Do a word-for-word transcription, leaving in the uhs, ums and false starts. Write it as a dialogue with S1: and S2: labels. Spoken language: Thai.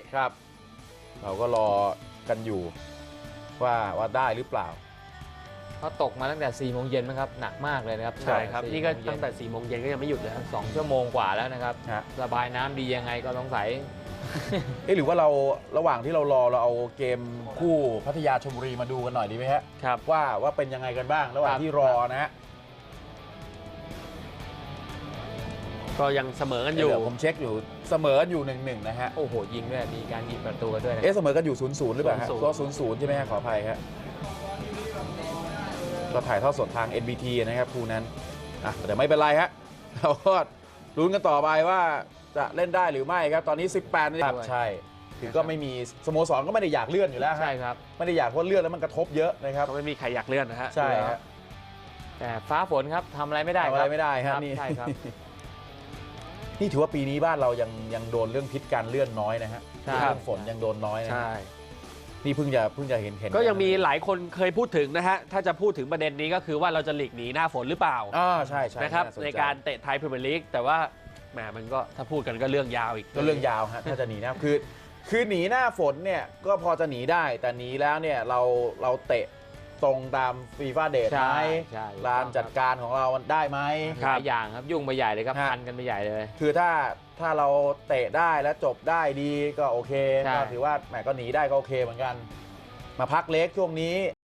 S1: ครับเราก็รอกันอยู่ว่าว่าได้หรือเปล่า
S2: เขาตกมาตั้งแต่สี่โมงเย็นนะครับหนักมากเลยนะครับ
S3: ใช่ครับ
S2: สี่
S3: นี่ก็
S2: โมงเย็
S3: ตั้งแต่สี่โมงเย็นก็ยังไม่หยุดเลยครับ
S2: สองชั่วโมงกว่าแล้วนะครับ
S1: ฮะ
S2: ระบายน้ำดียังไงก็สงสัย
S1: เอ๊ะหรือว่าเราระหว่างที่เรารอเราเอาเกมคู่พัทยาชลบุรีมาดูกันหน่อยดีไหมฮะ
S3: ครับ
S1: ว่าว่าเป็นยังไงกันบ้างระหว่าง
S2: ครับ
S1: ที่รอนะฮะ
S3: ก็ยังเสมอกันอยู่
S1: เดี๋ยวผมเช็คอยู่เสมอกันอยู่หนึ่งหนึ่งนะฮะ
S2: โอ้โหยิงด้วยมีการยิงประตูกันด้วยนะ
S1: เอ๊ะเสมอกันอยู่ศูนย์ศูนย์หรือเปล่าฮะ
S3: ศูนย์ศูนย์
S1: ก็ศูนย์ศูนย์ใช่ไหมฮะขออภัยครับก็ถ่ายทอดสดทาง เอ็น บี ที นะครับคู่นั้นอ่ะแต่ไม่เป็นไรฮะเราก็ลุ้นกันต่อไปว่าจะเล่นได้หรือไม่ครับตอนนี้สิบแปดนาฬิกาใช่คือก็ไม่มีสโมสรก็ไม่ได้อยากเลื่อนอยู่แล้วฮะ
S2: ใช่ครับ
S1: ไม่ได้อยากเพราะเลื่อนแล้วมันกระทบเยอะนะครับ
S3: ก็ไม่มีใครอยากเลื่อนนะฮะ
S1: ใช่ฮะ
S2: แต่ฟ้าฝนครับทำอะไรไม่ได้
S1: ทำ
S2: ค
S1: อะไร
S2: รับ
S1: ไม่ได้
S2: ค
S1: ฮะ
S2: รับ
S1: นี่
S2: ใช่ครับ
S1: นี่ถือว่าปีนี้บ้านเรายังยังโดนเรื่องพิษการเลื่อนน้อยนะฮะ
S2: ใช่
S1: เรื่องฝนยังโดนน้อยนะ
S3: ใช่
S1: นี่เพิ่งจะเพิ่งจะเห็นเห็น
S3: ก็ยังมีหลายคนเคยพูดถึงนะฮะ ถ้าจะพูดถึงประเด็นนี้ก็คือว่าเราจะหลีกหนีหน้าฝนหรือเปล่า
S1: อ่าใช่ใช่
S3: นะครับ
S1: สใจ
S3: ในการเตะไทยพรีเมียร์ลีกแต่ว่าแหมมันก็ถ้าพูดกันก็เรื่องยาวอีก
S1: ก็เรื่องยาวฮะถ้าจะหนีหน้าคือคือหนีหน้าฝนเนี่ยก็พอจะหนีได้แต่หนีแล้วเนี่ยเราเราเตะตรงตามฟีฟ่าเดทไหม
S2: ใช่ใช่
S1: ลานจัดการของเรามันได้ไหม
S2: หลายอย่างครับยุ่งไปใหญ่เลยครับ
S1: ฮะ
S2: พันกันไปใหญ่เลย
S1: คือถ้าถ้าเราเตะได้แล้วจบได้ดีก็โอเค
S2: ใช่
S1: ก็ถือว่าแหมก็หนีได้ก็โอเคเหมือนกัน มาพักเล็กช่วงนี้